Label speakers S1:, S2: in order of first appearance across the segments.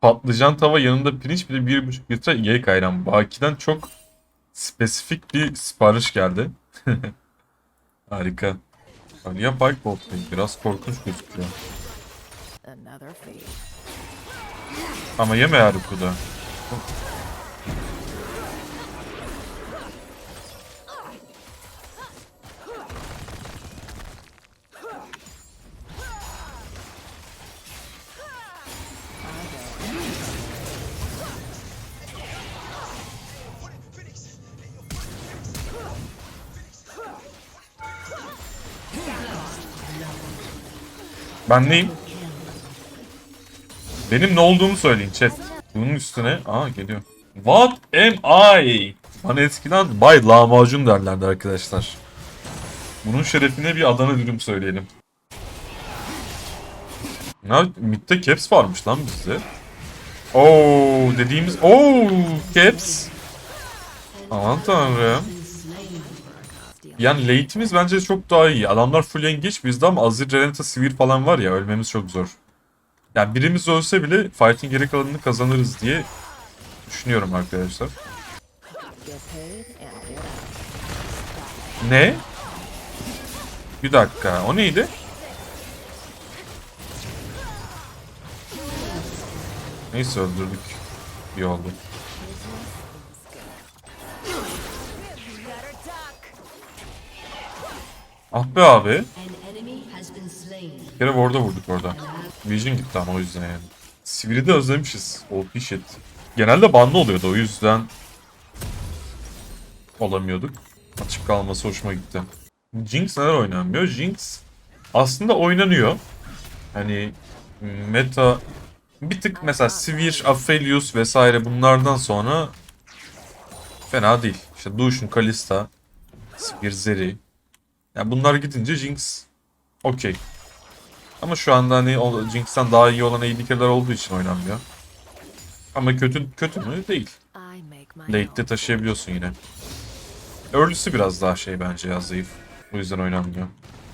S1: Patlıcan tava yanında pirinç bir de 1,5 litre yek ayran. Baki'den çok spesifik bir sipariş geldi. Harika. Alia Pike Botlane biraz korkunç gözüküyor. Ama yeme Haruku'da. Ben neyim? Benim ne olduğumu söyleyin chat. Bunun üstüne... Aa geliyor. What am I? Bana eskiden Bay Lahmacun derlerdi arkadaşlar. Bunun şerefine bir Adana dürüm söyleyelim. Ne? Mid'de Caps varmış lan bizde. Oo dediğimiz... Oo Caps. Aman tanrım. Yani late'imiz bence çok daha iyi. Adamlar full engage bizde ama Azir, Renata, Sivir falan var ya ölmemiz çok zor. Yani birimiz ölse bile fight'in geri kalanını kazanırız diye düşünüyorum arkadaşlar. Ne? Bir dakika. O neydi? Neyse öldürdük. İyi oldu. Ah be abi. Bir kere orada vurduk orada. Vision gitti ama o yüzden yani. Sivir'i de özlemişiz. OP shit. Genelde banlı oluyordu o yüzden olamıyorduk. Açık kalması hoşuma gitti. Jinx neler oynanmıyor? Jinx aslında oynanıyor. Hani meta bir tık mesela Sivir, Aphelios vesaire bunlardan sonra fena değil. İşte Lucian, Kalista, Sivir, Zeri. Yani bunlar gidince Jinx okey. Ama şu anda hani Jinx'ten daha iyi olan AD olduğu için oynanmıyor. Ama kötü mü? Değil. Late'de taşıyabiliyorsun yine. Early'si biraz daha şey bence ya zayıf. O yüzden oynanmıyor.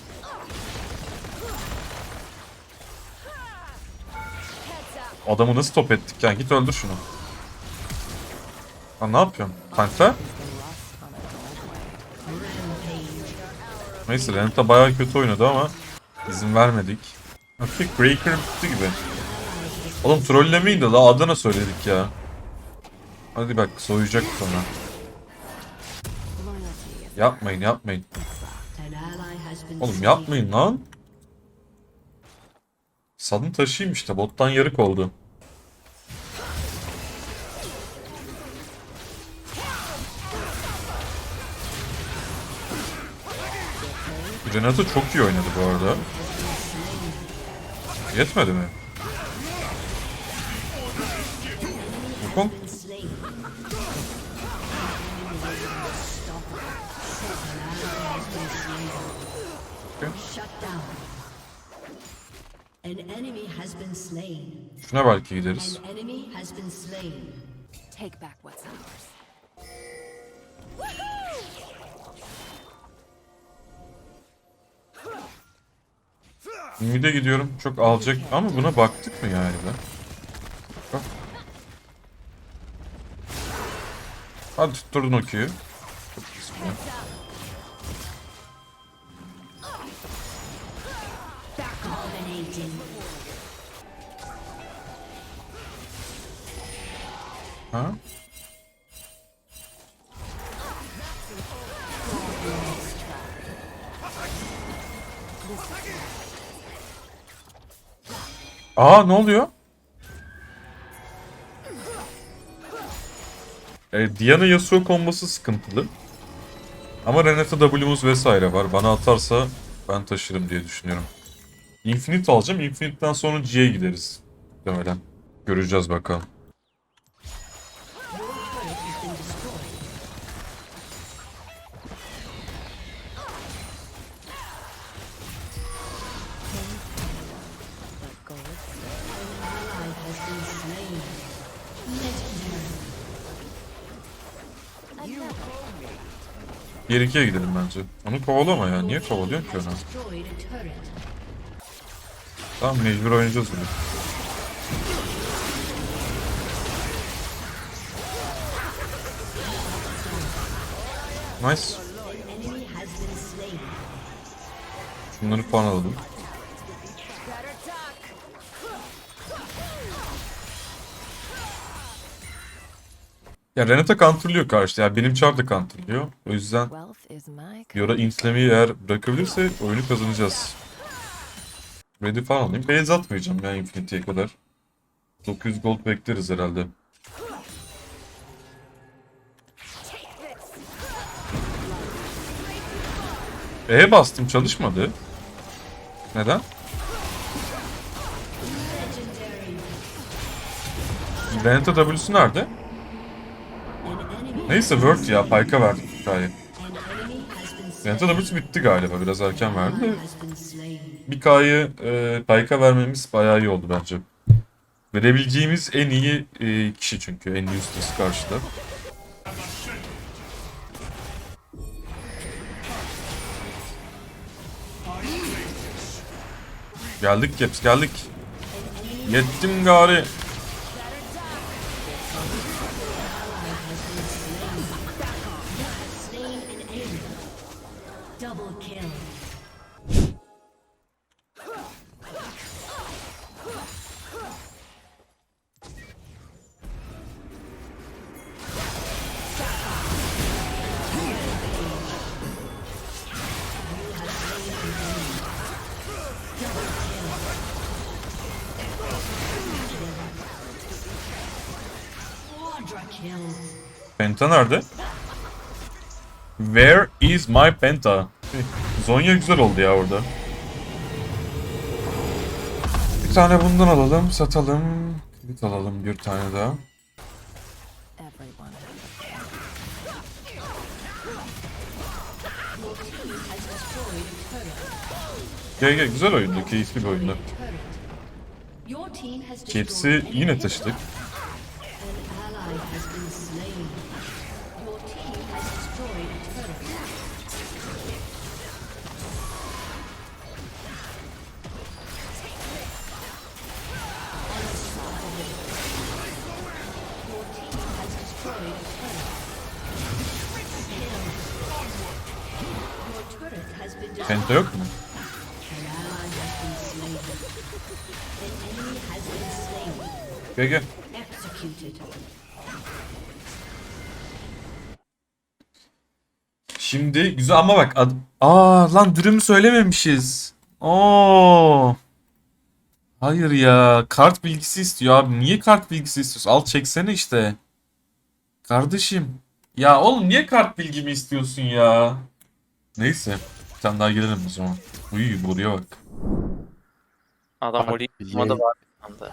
S1: Adamı nasıl top ettik yani git öldür şunu. Lan ne yapıyorsun? Tankla? Neyse Renata bayağı kötü oynadı ama izin vermedik. Hafif Breaker bitti gibi. Oğlum trollemeyin de la Adana söyledik ya. Hadi bak soyacak sonra. Yapmayın. Oğlum yapmayın lan. Sadın taşıyım işte bottan yarık oldu. Renata çok iyi oynadı bu arada. Yetmedi mi? Wukong? Şuna belki gideriz. Mid'e gidiyorum. Çok alacak ama buna baktık mı yani be? Bak. Hadi tutturdun o Q'yu. Çok güzel. Ha? Aa ne oluyor? Diana Yasuo kombosu sıkıntılı. Ama Renata W'muz vesaire var. Bana atarsa ben taşırım diye düşünüyorum. Infinite alacağım. Infinite'den sonra G'ye gideriz. Muhtemelen. Göreceğiz bakalım. Diğer ikiye gidelim bence. Onu kovalama ya. Niye kovalıyorsun ki onu? Tamam mecbur oynayacağız bunu. Nice. Şunları puan alalım. Ya Renata counterlıyor karşıda. Ya benim çar da counterlıyor. O yüzden Fiora intlemeyi eğer bırakabilirse oyunu kazanacağız. Ready falan alayım. Base atmayacağım ya Infinity'ye kadar. 900 gold bekleriz herhalde. Bastım çalışmadı. Neden? Renata W'su nerede? Neyse Word ya. Pike'a verdik hikaye. Renata W'su bitti galiba. Biraz erken verdi de. Bir K'yı Pike'a vermemiz bayağı iyi oldu bence. Verebileceğimiz en iyi kişi çünkü. En useless karşıda. Geldik Caps geldik. Yettim gari. Penta nerede? Where is my Penta? Zonya güzel oldu ya orada. Bir tane bundan alalım, satalım. Bir alalım bir tane daha. Gel güzel oyundu, keyifli bir oyundu. Caps'i yine taşıdık. Penta yok mu? Gel. Şimdi güzel ama bak lan dürümü söylememişiz. Hayır ya, kart bilgisi istiyor abi. Niye kart bilgisi istiyorsun? Al çeksene işte. Kardeşim. Ya oğlum niye kart bilgimi istiyorsun ya? Neyse. Bir tane daha gelelim o zaman. Uy buraya bak.
S2: Adam
S3: Abi,
S2: orayı tutmadı var bir anda.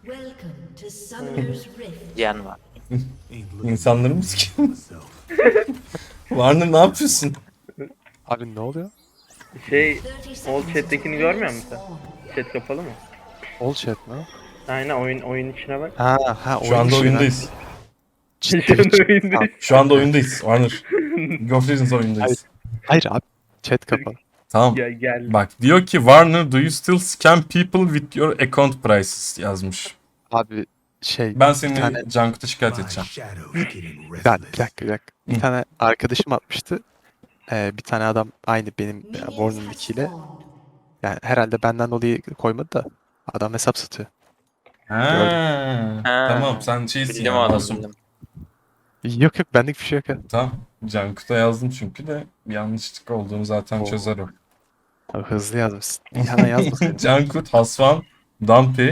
S2: Yen var.
S4: İnsanları mı sikiyor? Warner ne yapıyorsun?
S3: Abi ne oluyor?
S5: Old chat'tekini görmüyor musun sen? Chat kapalı mı?
S3: All chat mi?
S5: Aynen oyun içine bak.
S3: Ha
S4: Şu anda oyundayız.
S5: Şu anda oyundayız.
S4: Şu anda oyundayız Warner. League of Legends oyundayız.
S3: Hayır abi. Chat kapalı.
S4: Tamam.
S5: Gel.
S4: Bak diyor ki Warner do you still scam people with your account prices yazmış.
S3: Abi
S4: Ben
S3: bir
S4: seni
S3: tane
S4: Cankut'a şikayet edeceğim.
S3: bir dakika. Bir tane arkadaşım atmıştı. Bir tane adam aynı benim Warner nickiyle. Yani herhalde benden dolayı koymadı da adam hesap satıyor.
S4: Ha. Tamam sen şeysin
S2: Bildim
S4: ya
S2: onu
S4: masum.
S2: bildim.
S3: Yok benlik bir şey yok ya.
S4: Tamam. Cankut'a yazdım çünkü de bir yanlışlık olduğunu zaten
S3: Oo.
S4: çözer o.
S3: Abi hızlı yazmışsın. Hemen yazmasın.
S4: Cankut, Hasvan, Dumpy.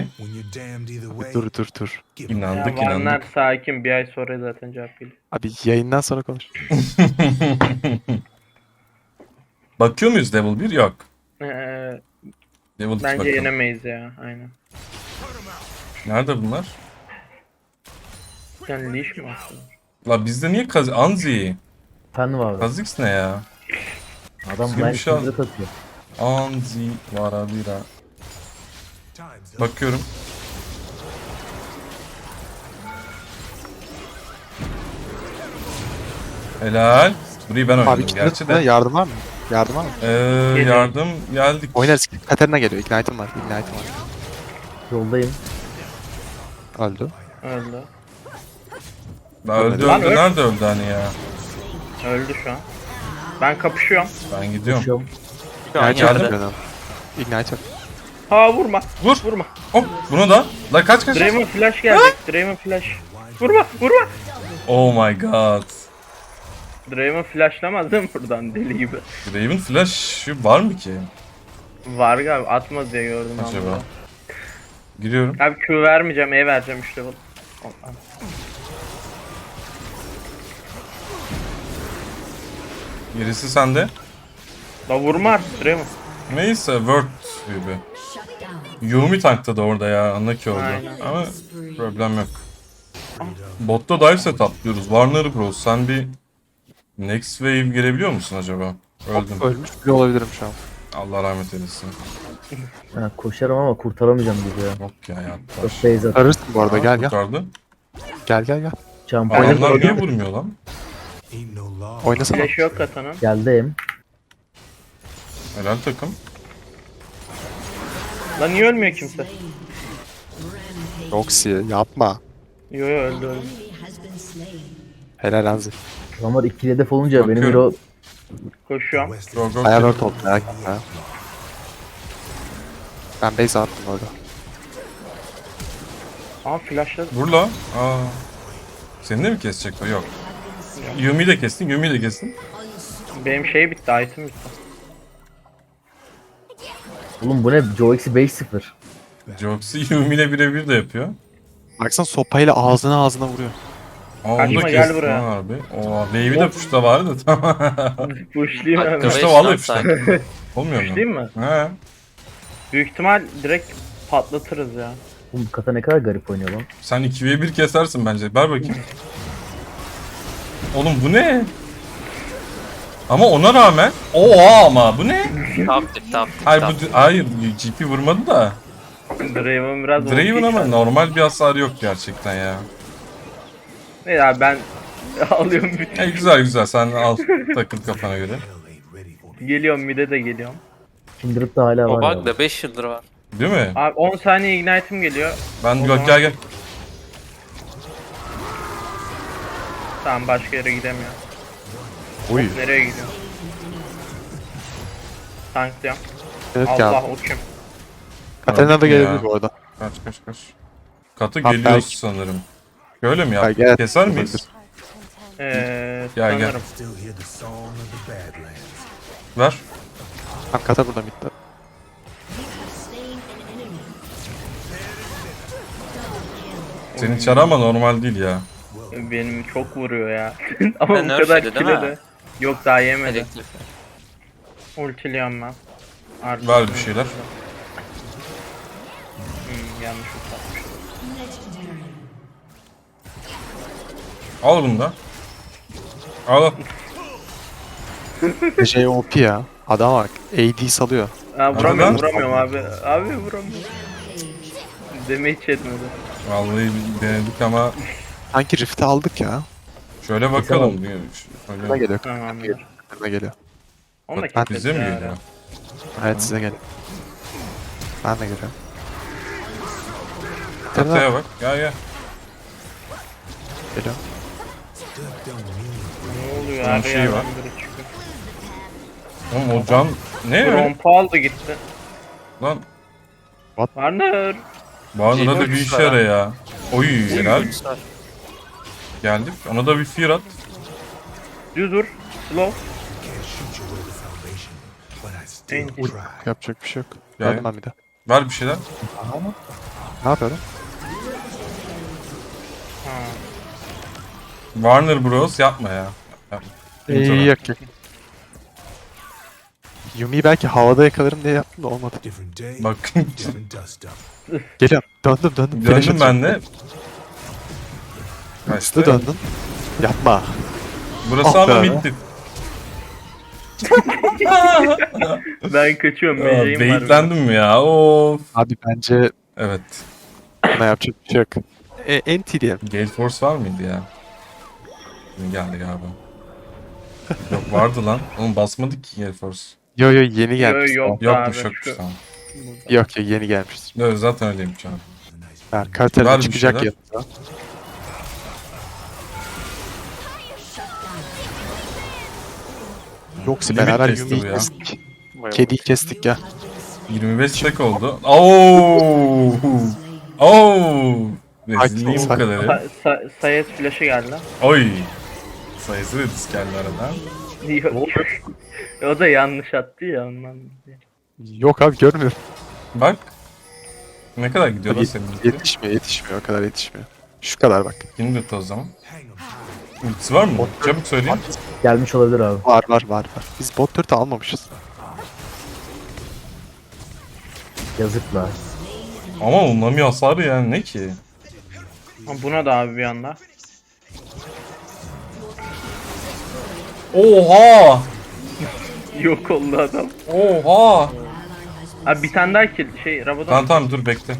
S3: Dur.
S4: İnandık
S5: Vanlar
S4: inandık.
S5: sakin, bir ay sonra zaten cevap geliyor.
S3: Abi yayından sonra konuş.
S4: Bakıyor muyuz Level 1? Yok.
S5: Ee,
S4: Level 2
S5: bence
S4: bakalım.
S5: yenemeyiz ya, aynen.
S4: Nerede bunlar?
S5: Yani leash mi aslında?
S4: La bizde niye Anzi?
S6: Efendim abi.
S4: Kha'Zix ne ya?
S6: Adam
S4: Bizim
S6: ben
S4: şu an-
S6: kızı atıyor.
S4: Anzi Varabira. Bakıyorum. Helal. Burayı ben oynadım
S3: Abi
S4: gerçi
S3: içinde
S4: de.
S3: yardım var mı? Yardım var mı?
S4: Yardım geldik.
S3: Oynarız. Katarina geliyor. Ignite'ım var.
S6: Yoldayım.
S3: Öldü.
S5: Öldü.
S4: Daha öldü
S3: Lan
S4: öldü. Nerede öldü hani ya?
S5: Öldü şu an. Ben kapışıyorum.
S1: Ben gidiyorum.
S6: Koşuyorum.
S2: Şu an
S3: Ignite yok
S2: yerde.
S3: benim. Ignite yok.
S5: Ha vurma.
S1: Vur.
S5: Vurma.
S1: Hop bunu da. La kaç kaç.
S5: Draven flash gelecek. Draven flash. Vurma. Vurma.
S1: Oh my god.
S5: Draven flashlamaz değil mi buradan deli gibi?
S1: Draven Flash var mı ki?
S5: Var galiba. Atmaz diye gördüm
S1: Acaba?
S5: ama.
S1: Giriyorum.
S5: Abi Q vermeyeceğim. E vereceğim işte bu.
S1: Gerisi sende.
S5: La vurma artık Draven.
S1: Neyse Word gibi. Yumi tankta da orada ya. Anlaki oldu.
S5: Aynen.
S1: Ama problem yok. Botta dive set atlıyoruz. Warner Bros. Sen bir next wave girebiliyor musun acaba? Öldüm.
S3: Ölmüş bile olabilirim şu an.
S1: Allah rahmet eylesin.
S6: Ha, koşarım ama kurtaramayacağım gibi ya.
S1: Yok ya ya.
S6: Çok base at.
S3: Arırsın bu arada, gel gel.
S1: Kurtardı.
S3: Gel gel gel.
S6: Şampiyon
S1: Adamlar niye vurmuyor lan?
S3: Oynasana.
S5: Flash yok katanın.
S6: geldim.
S1: Helal takım.
S5: La niye ölmüyor kimse?
S3: Roxy yapma.
S5: Yo yo öldü.
S3: Helal Anzi.
S6: Adamlar ikili hedef olunca benim
S1: Bakıyorum.
S6: hero
S5: Koşuyorum.
S1: Go go.
S3: Bayağı word oldu merak etme. Ben base attım orada.
S5: Ama flashladı.
S1: Vur la. Aa. Seni de mi kesecek o? Yok. Yumi'yi de kestin, Yumi'yi de kestin.
S5: Benim şey bitti. Item bitti.
S6: Oğlum bu ne? Joe eksi 5-0.
S1: Joxy Yumi'yle birebir de yapıyor.
S3: Baksana sopayla ağzına vuruyor.
S1: Aa, onu
S5: Kaçma,
S1: da
S5: gel
S1: kestin
S5: buraya.
S1: ha harbi. Oo, wave'i de puşta vardı tamam.
S5: Pushlayayım hemen.
S2: Dakika
S1: Puşta
S2: beş
S1: vallahi
S2: lan
S1: puşta.
S2: sanki.
S1: Olmuyor mu?
S5: Pushlayayım mı?
S1: He.
S5: Büyük ihtimal direkt patlatırız ya.
S6: Oğlum kata ne kadar garip oynuyor lan.
S1: Sen 2v1 kesersin bence. Ver bakayım. Oğlum bu ne? Ama ona rağmen. Oha ama bu ne?
S2: Top tip top tip.
S1: Hayır
S2: top
S1: bu
S2: tip.
S1: hayır GP vurmadı da.
S5: Draven biraz
S1: Draven
S5: OP
S1: ama
S5: şu an.
S1: normal bir hasar yok gerçekten ya.
S5: Ne ya ben alıyorum bütün.
S1: Güzel güzel sen al takıl kafana göre.
S5: Geliyorum mid'e de geliyorum.
S6: Kindred'da hala
S2: O
S6: var
S2: bug
S6: abi.
S2: da 5 yıldır var.
S1: Değil mi?
S5: Abi 10 saniye ignite'im geliyor.
S1: Ben
S5: O
S1: gel
S5: zaman-
S1: gel.
S5: Tamam başka yere gidemiyorum.
S3: Uy.
S5: Nereye gidiyorum? Tanklıyorum.
S3: Evet
S5: Allah
S3: geldi.
S5: o kim?
S3: Katarina da
S1: Ya.
S3: gelebilir bu arada.
S1: Kaç. Katı
S3: Ha,
S1: geliyoruz
S3: belki.
S1: sanırım. Öyle mi ya?
S3: Ha, gel.
S1: Keser miyiz? Gel, gel.
S5: Sanırım.
S1: Ver.
S3: Tam kata burada bitti.
S1: Senin çarı ama normal değil ya.
S5: Benim çok vuruyor ya. Ama
S2: Ben
S5: bu kadar
S2: nerfedi, değil
S5: kile
S2: mi?
S5: de. Yok daha yemedi.
S2: Elektrik.
S5: Ultiliyorum ben. Artık
S1: Ver bir şeyler.
S5: Yanlış ult
S1: Al bunu da. Al.
S3: JOP ya. Adam bak. AD salıyor.
S5: Aa, vuramıyorum
S1: Arada-
S5: vuramıyorum abi. Abi vuramıyorum. Damage etmedi.
S1: Vallahi denedik ama
S3: Sanki Rift'i aldık ya.
S1: şöyle bakalım.
S3: Bana
S1: Şöyle.
S3: geliyor.
S5: Tamamdır.
S3: Bana geliyor.
S5: Onu da
S3: Ben-
S5: keseriz
S1: Bize mi
S5: ya.
S1: geliyor?
S3: Evet size geliyor. Ben de geliyorum.
S1: Kataya bak. Gel gel.
S3: Geliyor.
S5: Ne oluyor
S1: Bunun
S5: abi
S1: şeyi
S5: yerden
S1: var.
S5: biri çıkıyor.
S1: Oğlum o can ne öyle?
S5: Rompa aldı gitti.
S1: Lan
S5: Warner.
S1: Barna'da da bir işe yara ya. Oy helal.
S2: Var.
S1: Geldik. Ona da bir fear at.
S5: Düz vur. Slow. En
S3: Yapacak bir şey yok.
S1: Yani.
S3: Geldim ben bir de.
S1: Ver bir şeyler.
S3: Ne yapıyorum?
S5: ha.
S1: Warner Bros yapma ya. Yapma.
S3: Yok yok. Yumi'yi belki havada yakalarım diye yaptım da olmadı.
S1: Bak
S3: Geliyorum. Döndüm. Flash
S1: döndüm ben
S3: atıyorum.
S1: de.
S3: Hızlı döndün. Yapma.
S1: Burası
S3: Ah
S1: ama
S3: be.
S1: middi.
S5: Ben kaçıyorum. Meleğim var.
S1: Beyitlendim mi ya? Of.
S3: Abi bence
S1: Evet.
S3: buna yapacak bir şey yok. NT diyelim.
S1: Gale Force var mıydı ya? Şimdi geldi galiba. Yok vardı lan. Oğlum basmadık ki Gale Force.
S3: Yo yeni gelmiş.
S5: yok.
S1: Yokmuş
S5: abi,
S1: yokmuş
S5: şu-
S1: tamam.
S3: Yok yeni gelmiştir.
S1: Evet, zaten öyleymiş abi.
S3: Yani
S1: Var
S3: Katarina
S1: bir
S3: çıkacak
S1: şeyler.
S3: yanında. Yoksa
S1: Limit
S3: beraber
S1: testi bu
S3: Yumi'yi
S1: ya.
S3: kestik. Kediyi kestik ya.
S1: 25 stack oldu. Oo! Oo! Rezilliğin bu
S3: Sakin.
S1: kadarı.
S5: Sayes flash'ı geldi.
S1: Oy! Sayısı da disk geldi aradan.
S5: Yok. O da yanlış attı ya ondan.
S3: Yok abi görmüyorum.
S1: Bak. Ne kadar gidiyor lan senin ulti?
S3: Yetişmiyor o kadar yetişmiyor. Şu kadar bak.
S1: Kindred o zaman. Ultisi var mı? Çabuk söyleyin.
S6: Gelmiş olabilir abi.
S3: Var. Biz bot turret'ı almamışız.
S6: Yazıklar.
S1: Ama onlamıyor hasarı yani ne ki?
S5: Ha, buna da abi bir anda.
S1: Oha!
S5: Yok oldu adam.
S1: Oha!
S5: Abi bir tane daha kill Rabadon.
S1: Tamam dur bekle.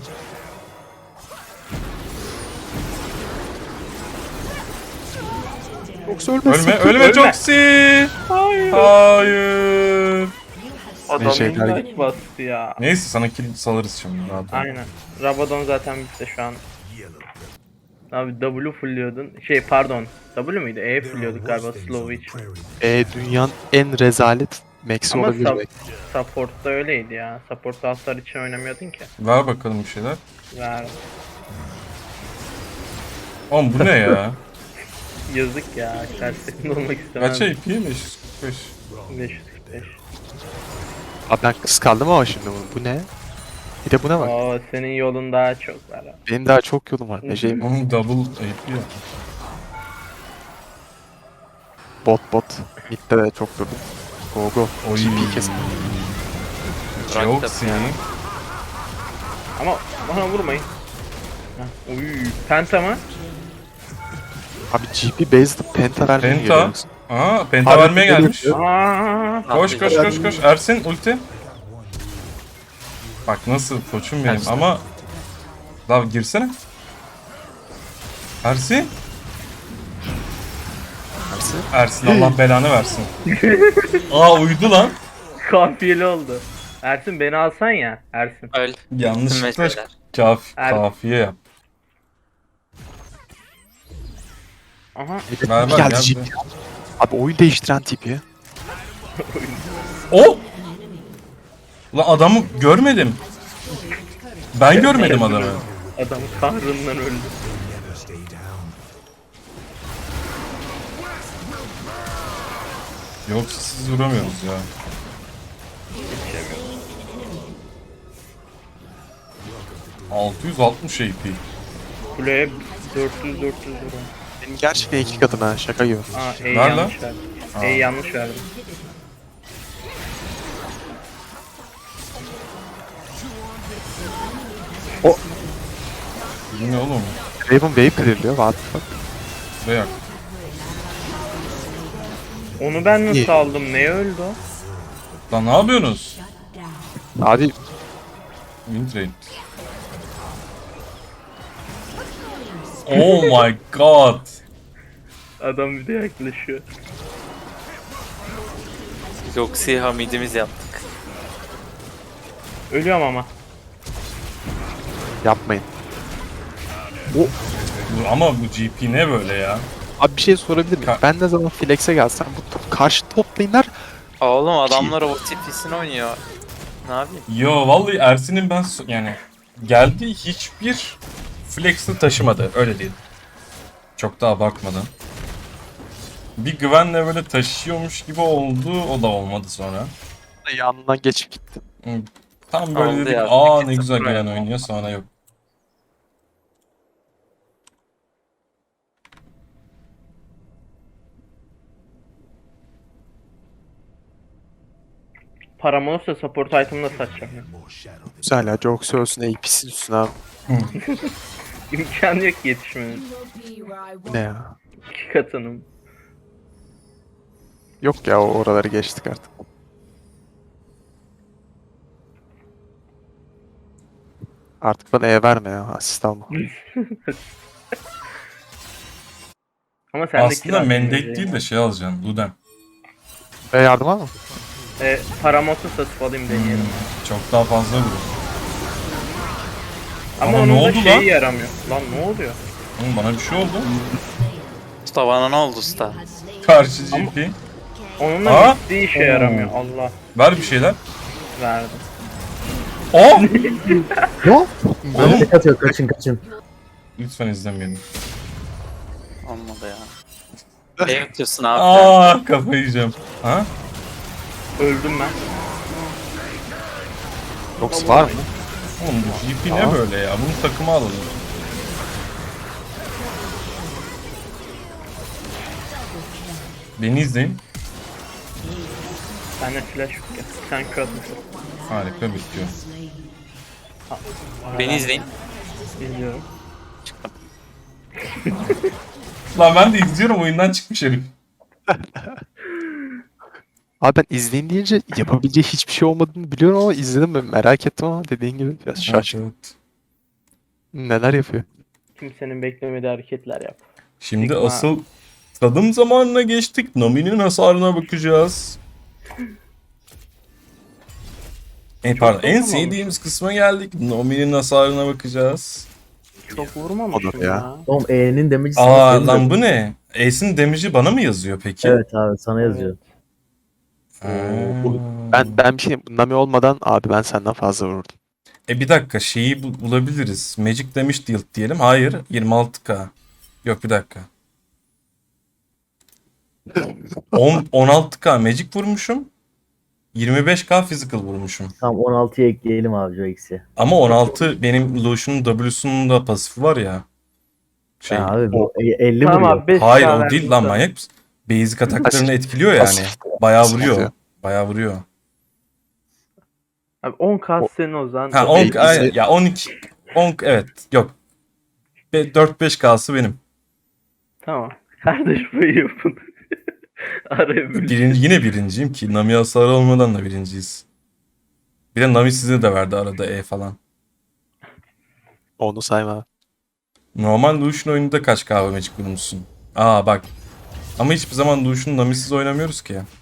S3: Yoksa ölmezsin.
S1: Ölme Joxy! Hayır.
S5: Adam
S3: şeyler
S5: invite bastı ya.
S1: Neyse sana kill salarız şimdi rahat ol.
S5: Aynen. Rabadon zaten bitti şu an. Abi W fulliyordun. Pardon. W muydu? E fulliyorduk galiba slow için.
S3: Dünyanın en rezalet max'i
S5: Ama
S3: olabilir belki.
S5: support'ta öyleydi ya. Support'ta hasar için oynamıyordun ki.
S1: Ver bakalım bir şeyler.
S5: Ver.
S1: Oğlum bu ne ya?
S5: Yazık ya. Karşısında olmak istemem.
S1: Kaç AP? 545.
S5: 545.
S3: Abi ben kıskandım ama şimdi bunu. Bu ne? Bir de buna bak.
S5: Oo senin yolun daha çok var abi.
S3: Benim daha çok yolum var. Neceyim?
S1: Oğlum double AP ya.
S3: Bot. Mid'de de çok durdum. Go.
S1: Oy.
S3: GP kesin.
S1: Joxy.
S5: Ama bana vurmayın. Heh, Uy, penta mı?
S3: Abi GP based penta vermeye
S1: Penta.
S3: geliyoruz.
S1: Aa penta
S3: Abi,
S1: vermeye
S3: böyle
S1: gelmiş.
S3: yapıyor.
S5: Aa,
S1: Koş. Ersin ulti. Bak nasıl koçum benim
S3: Ersin.
S1: ama... Daha girsene. Ersin. Ersin Allah belanı versin. Aa uydu lan.
S5: kafiyeli oldu. Ersin beni alsan ya. Ersin.
S2: Öl.
S1: Yanlışlıkla
S2: Meseleler.
S1: kafiye yap.
S5: Aha.
S1: Ver
S3: Geldi
S1: gel.
S3: GP. Abi oyun değiştiren tipi.
S1: O! Lan adamı görmedim. Ben görmedim adamı.
S5: Adam kahrından öldü.
S1: Yoksa siz vuramıyoruz ya. ...660 AP.
S5: Kuleye 400 lira.
S3: Benim gerçekten 2 katım ha şaka gibi.
S5: Aa
S1: Ver lan.
S5: yanlış verdim. Yanlış verdim.
S1: Bu ne oğlum?
S3: Raven wave kırılıyor. What the fuck?
S1: Reyak.
S5: Onu ben
S3: İyi.
S5: nasıl aldım? Neye öldü o?
S1: Lan ne yapıyorsunuz?
S3: Abi
S1: Windrain. Oh my god.
S5: Adam bir de yaklaşıyor.
S2: Joxy hamidimiz yaptık.
S5: Ölüyorum ama.
S3: yapmayın.
S1: Ama bu GP ne böyle ya?
S3: Abi bir şey sorabilir miyim? Ben ne zaman flex'e gelsem karşı top lane'ler
S2: Oğlum adamlar o TP'sini oynuyor. Ne yapayım?
S1: Yo vallahi Ersin'in ben yani geldiği hiçbir flex'i taşımadı öyle değil. Çok da abartmadan. Bir güvenle böyle taşıyormuş gibi oldu o da olmadı sonra.
S3: yanından geçip gitti.
S1: Tam böyle
S2: Oldu
S1: dedik
S2: ya,
S1: aa ne
S2: 2-0
S1: güzel gelen
S2: yani.
S1: oynuyor sonra yok.
S5: Param olursa support item'ı da satacağım ya.
S3: Güzel ya. Joxy ölsün AP'sin üstüne abi.
S5: İmkanı yok yetişmenin.
S3: Ne ya?
S5: 2 katının.
S3: Yok ya oraları geçtik artık. Artık bana verme ya asist alma.
S5: Ama sen de
S1: Aslında
S5: kira
S1: mandate
S5: vermeyeceksin.
S1: değil de şey alacaksın Luden.
S3: Yardım var mı?
S5: Param olsa satıp alayım deneyelim.
S1: Çok daha fazla vurur.
S5: Ama
S1: Ama
S5: onun
S1: ne
S5: da
S1: oldu
S5: şeyi
S1: lan?
S5: yaramıyor. Lan ne oluyor?
S1: Oğlum bana bir şey oldu.
S2: Usta bana ne oldu usta?
S1: Karşı GP.
S5: Onunla
S1: Aa!
S5: gittiği işe yaramıyor. Allah
S1: Ver bir şeyler.
S5: verdi.
S1: Aa!
S3: Yo.
S1: Oğlum.
S6: Tek atıyor, kaçın kaçın.
S1: Lütfen izlemeyin.
S2: Olmadı ya. Ne yapıyorsun abi?
S1: Aa, kafayı yiyeceğim. Ha?
S5: Öldüm ben.
S3: Nox var mı?
S1: Oğlum bu GP ne böyle ya? Bunu takıma alalım. Beni izleyin.
S5: Bende flash yok ya. Sen kör atmışsın.
S1: Harika bitiyor.
S2: Beni izleyin.
S5: İzliyorum.
S1: Lan ben de izliyorum, oyundan çıkmış herif.
S3: Abi ben izleyin deyince yapabileceği hiçbir şey olmadığını biliyorum ama izledim ben merak ettim ama dediğin gibi biraz şaşkın.
S1: Evet.
S3: Neler yapıyor?
S5: Kimsenin beklemediği hareketler yap.
S1: Şimdi
S5: Sigma.
S1: asıl tadım zamanına geçtik. Nami'nin hasarına bakacağız. Pardon, en
S5: vurmamış.
S1: sevdiğimiz kısma geldik. Nami'nin hasarına bakacağız.
S5: Çok vurmamışım
S3: O da ya.
S5: ya.
S6: Oğlum E'nin damage'i sana
S1: Aa
S6: senin
S1: lan
S6: de-
S1: bu ne? Ace'in damage'i bana mı yazıyor peki?
S6: Evet abi sana yazıyor.
S1: Ha.
S3: Ben bir şey Nami olmadan abi ben senden fazla vururdum.
S1: Bir dakika, şeyi bulabiliriz. Magic Damage Deal diyelim. Hayır, 26k. Yok, bir dakika. 16k Magic vurmuşum. 25k Physical vurmuşum.
S6: Tamam 16'ya ekleyelim abi o eksi.
S1: Ama 16 benim Lucian'ın W'sunun da pasifi var ya. Şey.
S6: Ha, abi bu 50
S5: Tamam
S6: vuruyor.
S5: abi 5
S1: Hayır o değil lan, manyak mısın? Basic ataklarını etkiliyor yani.
S3: Pasif.
S1: Bayağı
S3: Pasif
S1: vuruyor.
S3: atıyor.
S1: Bayağı vuruyor.
S5: Abi 10k senin o zaman.
S1: Ha 10 ya 12 10 evet yok. 4-5k'sı benim.
S5: Tamam. Kardeş bu yapın. Araya bölüş.
S1: Yine birinciyim ki. Nami hasarı olmadan da birinciyiz. Bir de Nami size de verdi arada falan.
S3: Onu sayma.
S1: Normal Lucian oyununda kaç kahve Magic bulmuşsun? Aa bak. Ama hiçbir zaman Lucian Nami'siz oynamıyoruz ki.